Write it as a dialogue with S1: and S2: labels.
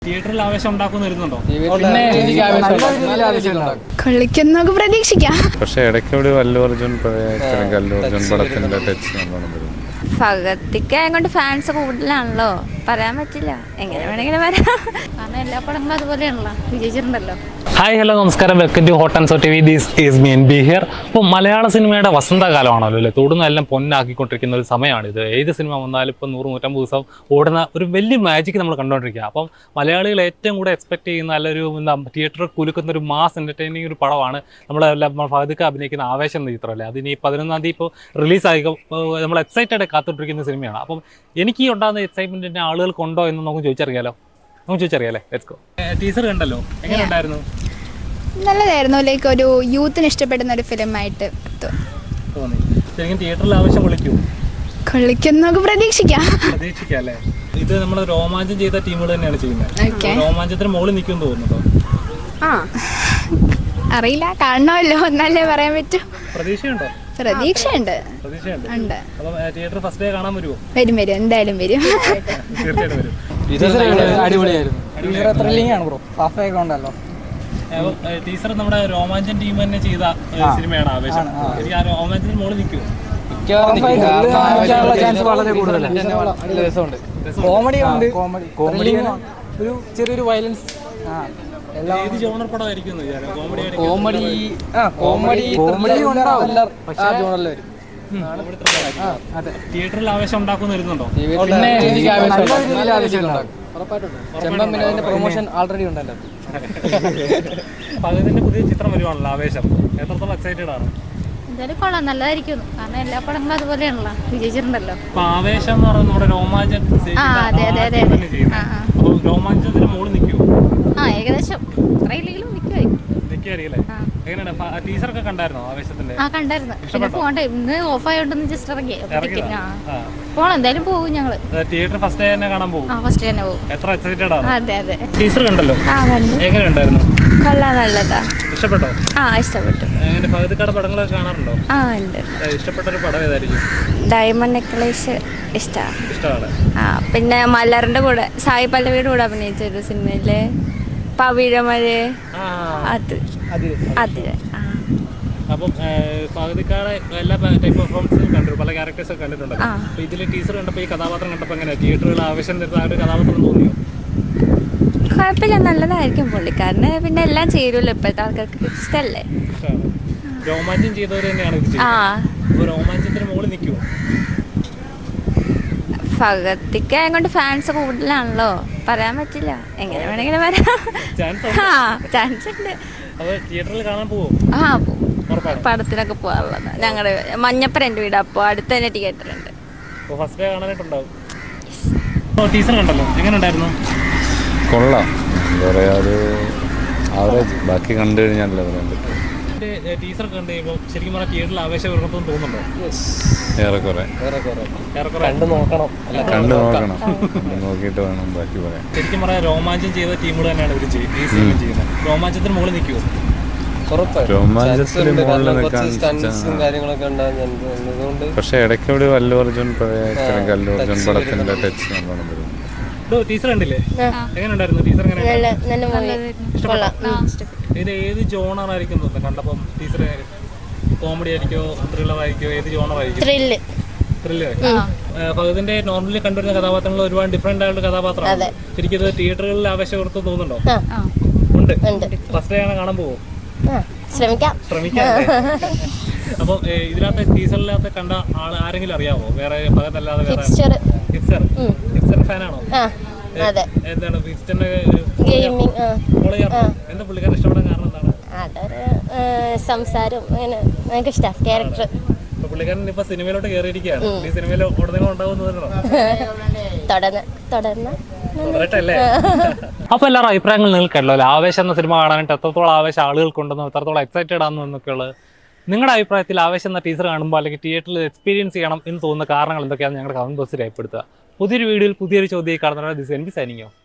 S1: തിയേറ്ററിൽ ആവേശം ഉണ്ടാക്കുന്ന വരുന്നുണ്ടോ?
S2: കളിക്കുന്നൊക്കെ പ്രതീക്ഷിക്കാം.
S3: പക്ഷെ ഇടയ്ക്ക് അല്ലു അർജുൻ പടത്തിന്റെ ടച്ച് നല്ലോണം വരുന്നു.
S4: ഭഗത്തിക്ക് കൊണ്ട് ഫാൻസ് കൂടുതലാണല്ലോ, പറയാൻ പറ്റില്ല, എങ്ങനെ വേണമെങ്കിലും വരാം. കാരണം എല്ലാ പടങ്ങളും അതുപോലെയാണല്ലോ, വിജയിച്ചിട്ടുണ്ടല്ലോ.
S1: ഹായ് ഹലോ നമസ്കാരം, welcome to hot and so T V. This is me N B here. അപ്പോൾ മലയാള സിനിമയുടെ വസന്തകാലമാണല്ലോ അല്ലേ, തൊടുന്നെല്ലാം പൊന്നാക്കിക്കൊണ്ടിരിക്കുന്ന ഒരു സമയമാണിത്. ഏത് സിനിമ വന്നാലും ഇപ്പോൾ 100-150 ദിവസം ഓടുന്ന ഒരു വലിയ മാജിക് നമ്മൾ കണ്ടുകൊണ്ടിരിക്കുക. അപ്പം മലയാളികൾ ഏറ്റവും കൂടെ എക്സ്പെക്ട് ചെയ്യുന്ന നല്ലൊരു തിയേറ്ററിൽ കുലുക്കുന്ന ഒരു മാസ് എൻ്റർടൈനിങ് ഒരു പടമാണ് നമ്മളെല്ലാം ഫഹദ്ക്ക് അഭിനയിക്കുന്ന ആവേശം എന്ന ചിത്രം അല്ലേ. അതിന് 11-ാം തീയതി ഇപ്പോൾ റിലീസായി നമ്മൾ എക്സൈറ്റഡ് കാത്തിട്ടിരിക്കുന്ന സിനിമയാണ്. അപ്പം എനിക്ക് ഈ ഉണ്ടാകുന്ന എക്സൈറ്റ്മെൻറ്റിൻ്റെ ആളുകൾക്കുണ്ടോ എന്ന് നമുക്ക് ചോദിച്ചറിയാലോ. Let's go. ടീസർ കണ്ടല്ലോ, എങ്ങനെ ഉണ്ടായിരുന്നു?
S2: നല്ലതായിരുന്നു. ലൈക്ക് ഒരു യൂത്തിന് ഇഷ്ടപ്പെടുന്ന ഒരു ഫിലിമായിട്ട്
S1: തോന്നി. ശരിക്കും തിയേറ്ററിൽ ആവശ്യം
S2: കളിക്കുന്നൊക്കെ പ്രതീക്ഷിക്കാം
S1: അല്ലേ. ഇത് നമ്മൾ രോമാഞ്ചം ചെയ്ത ടീമുകൾ തന്നെയാണ് ചെയ്യുന്നത്. രോമാഞ്ചത്തിന് മുകളിൽ നിൽക്കുമെന്ന് തോന്നുന്നുണ്ടോ?
S2: അറിയില്ല, കാണണമല്ലോ, എന്നല്ലേ പറയാൻ പറ്റൂ.
S1: പ്രതീക്ഷയുണ്ടോ?
S2: പ്രതീക്ഷയുണ്ട്.
S1: തിയേറ്റർ ഫസ്റ്റ് ഡേ കാണാൻ വരുമോ?
S2: വരും, എന്തായാലും വരും.
S1: തീർച്ചയായിട്ടും വരും. ടീച്ചർ നമ്മുടെ രോമാഞ്ചൻ ടീം തന്നെ ചെയ്ത സിനിമയാണ് ആവേശം. എനിക്ക് ആ രോമാഞ്ചത്തിന് മുകളിൽ നിൽക്കുമോ?
S5: കോമഡി ഒരു ചെറിയൊരു വയലൻസ്
S1: ഏത് ജോണർ പടമായിരിക്കും? തിയേറ്ററിൽ ആവേശം ഉണ്ടാക്കുന്ന വരുന്നുണ്ടോ?
S5: പ്രൊമോഷൻ ആൾറെഡി ഉണ്ടല്ലോ.
S1: പകതിന്റെ പുതിയ ചിത്രം വരുവാണല്ലോ ആവേശം, എത്രത്തോളം എക്സൈറ്റഡ് ആണ്?
S4: എന്തായാലും കൊള്ളാം, നല്ലതായിരിക്കും. കാരണം എല്ലാ പടങ്ങളും അതുപോലെയാണല്ലോ, വിജയിച്ചിട്ടുണ്ടല്ലോ.
S1: അപ്പൊ ആവേശം എന്ന് പറയുന്നത് നമ്മുടെ രോമാഞ്ചം. അപ്പൊ രോമാഞ്ചത്തിന് മുകളിൽ നിൽക്കുമോ?
S4: ഏകദേശം അത്രയില്ലെങ്കിലും നിൽക്കുമായിരിക്കും.
S1: എങ്ങനെയാണ് ടീച്ചറൊക്കെ കണ്ടായിരുന്നോ ആവേശത്തിന്റെ?
S4: കണ്ടായിരുന്നു. പിന്നെ പോകണ്ടേ, ഇന്ന് ഓഫ് ആയോണ്ടെന്ന് ജസ്റ്റ് ഇറങ്ങി പോണം. എന്തായാലും പോകും ഞങ്ങള്.
S1: തിയേറ്റർ ഫസ്റ്റ് ഡേ തന്നെ കാണാൻ പോകും.
S4: ഫസ്റ്റ് തന്നെ പോകും.
S1: എത്ര എക്സൈറ്റഡ് ആണ്?
S4: അതെ.
S1: ടീച്ചർ കണ്ടല്ലോ, എങ്ങനെ ഉണ്ടായിരുന്നു?
S4: കൊള്ളാം, നല്ലതാ.
S1: ഇഷ്ടപ്പെട്ടോ?
S4: ഇഷ്ടപ്പെട്ടു.
S1: എങ്ങനെ ഭഗതിക്കാട് പടങ്ങളൊക്കെ കാണാറുണ്ടോ?
S4: ഉണ്ട്.
S1: ഇഷ്ടപ്പെട്ട ഒരു പടം ഏതായിരിക്കും?
S4: ഡയമണ്ട് നെക്ലേസ്
S1: ഇഷ്ടമാണ്.
S4: പിന്നെ മലറിന്റെ കൂടെ സായി പല്ലവിയുടെ കൂടെ അഭിനയിച്ച ഒരു സിനിമയിലെ പവിഴമഴ, അതില്.
S1: അപ്പം പകുതിക്കാടെ എല്ലാ ടൈപ്പ് പെർഫോമൻസും കണ്ടു, പല ക്യാരക്ടേഴ്സ് ഒക്കെ കണ്ടിട്ടുണ്ടല്ലോ. അപ്പൊ ഇതിലെ ടീച്ചർ കണ്ടപ്പോൾ ഈ കഥാപാത്രം കണ്ടപ്പോൾ എങ്ങനെ തിയേറ്ററുകൾ ആവശ്യം തരുന്ന ആ ഒരു കഥാപാത്രം തോന്നിയോ?
S4: കുഴപ്പമില്ല, നല്ലതായിരിക്കും. പുള്ളിക്കാരന് പിന്നെ എല്ലാം ചേരുമല്ലോ, ഇപ്പോഴത്തെ ആൾക്കാർക്ക് ഇഷ്ടല്ലേ.
S1: രോമാഞ്ചം ചെയ്തവർ തന്നെയാണ് ഇത് ചെയ്യുന്നത്. രോമാഞ്ചത്തിന് മുകളിൽ നിൽക്കുമോ?
S4: ഭഗത്തിക്ക് കൊണ്ട് ഫാൻസ് കൂടുതലാണല്ലോ, പറയാൻ പറ്റില്ല, എങ്ങനെ വേണമെങ്കിലും വരാം. ചാൻസ് ഉണ്ട്.
S1: തിയേറ്ററിൽ കാണാൻ പോവോ?
S4: പടത്തിനൊക്കെ പോകാറുള്ളതാണ്. ഞങ്ങളുടെ മഞ്ഞപ്പര എൻ്റെ വീട്, അപ്പോൾ അടുത്ത് തന്നെ തിയേറ്റർ ഉണ്ട്.
S1: First day കാണാനായിട്ടുണ്ടാവും. ടീച്ചർ കണ്ടല്ലോ, എങ്ങനെ ഉണ്ടായിരുന്നു?
S3: കൊള്ളാം, എന്താ പറയാ, ഒരു ആവറേജ്. ബാക്കി കണ്ടു കഴിഞ്ഞാലല്ലേ പറയാൻ പറ്റും.
S1: ടീച്ചർ കണ്ട് കഴിയുമ്പോൾ ശരിക്കും പറഞ്ഞാൽ തിയേറ്ററിൽ ആവേശം ഉയർത്തുമെന്ന് തോന്നുന്നുണ്ടോ?
S3: ഏറെക്കുറെ കണ്ടു നോക്കണം, നോക്കിയിട്ട് വേണം ബാക്കി പറയാൻ.
S1: ശരിക്കും പറഞ്ഞാൽ രോമാഞ്ചം ചെയ്ത ടീമുകൾ തന്നെയാണ് ഇവർ ഈ സിനിമ ചെയ്യുന്നത്. രോമാഞ്ചത്തിന് മുകളിൽ നിൽക്കുമോ?
S3: രോമാഞ്ചത്തിന് മുകളിൽ നിൽക്കാൻ, പക്ഷെ ഇടയ്ക്ക് അല്ലു അർജുൻ പടത്തിന്റെ ടച്ച് നല്ലോണം വരുന്നു.
S1: ടീച്ചർ കണ്ടില്ലേ, എങ്ങനെ ഉണ്ടായിരുന്നു? ടീച്ചർ ഇത് ഏത് ജോണറായിരിക്കും തോന്നുന്നത് കണ്ടപ്പം? ടീച്ചർ കോമഡി ആയിരിക്കോ, ത്രില്ലർ ആയിരിക്കോ, ഏത് ജോണറായിരിക്കും? ത്രില്ലർ. ഭഗതിന്റെ നോർമലി കണ്ടുവരുന്ന കഥാപാത്രങ്ങൾ ഒരുപാട് ഡിഫറെന്റ് ആയിട്ടുള്ള കഥാപാത്രമാണ്. ശരിക്കും ഇത് തിയേറ്ററുകളിൽ ആവേശം ഉയർത്തും തോന്നുന്നുണ്ടോ? ഉണ്ട്. ഫസ്റ്റ് ഡേ ആണ് കാണാൻ പോവോ? ശ്രമിക്കാം. അപ്പം ഇതിനകത്ത് ടീച്ചറിനകത്ത് കണ്ട ആരെങ്കിലും അറിയാമോ? വേറെ ഭഗതല്ലാതെ വേറെ? ഹിപ്സ്റ്റർ ഫാനാണോ? എന്താണ് ഹിപ്സ്റ്ററിന്റെ എന്താ പുള്ളിക്കാരൻ ഇഷ്ടപ്പെടാൻ കാരണം എന്താണ്?
S6: സംസാരം ക്യാരക്ടർ.
S1: പുള്ളിക്കാരൻ ഇപ്പൊ സിനിമയിലോട്ട് കയറിയിരിക്കുകയാണ്. ഈ സിനിമയിൽ ഉടനെ ഉണ്ടാവുന്നതല്ലോ. തുടരട്ടല്ലേ? അപ്പൊ എല്ലാവരും അഭിപ്രായങ്ങൾ നിങ്ങൾക്ക് കേട്ടല്ലോ. ആവേശം എന്ന സിനിമ കാണാനായിട്ട് എത്രത്തോളം ആവേശം ആളുകൾക്കുണ്ടെന്നോ, എത്രത്തോളം എക്സൈറ്റഡ് ആണെന്നോ എന്നൊക്കെയുള്ളത് നിങ്ങളുടെ അഭിപ്രായത്തിൽ ആവേശം എന്ന ടീച്ചർ കാണുമ്പോൾ അല്ലെങ്കിൽ തിയേറ്ററിൽ എക്സ്പീരിയൻസ് ചെയ്യണം എന്ന് തോന്നുന്ന കാരണങ്ങൾ എന്തൊക്കെയാണ് ഞങ്ങളുടെ കമന്റ് ബോക്സിൽ രേഖപ്പെടുത്തുക. പുതിയൊരു വീഡിയോയിൽ പുതിയൊരു ചോദ്യം കാണുന്നവരെ this N B signing of.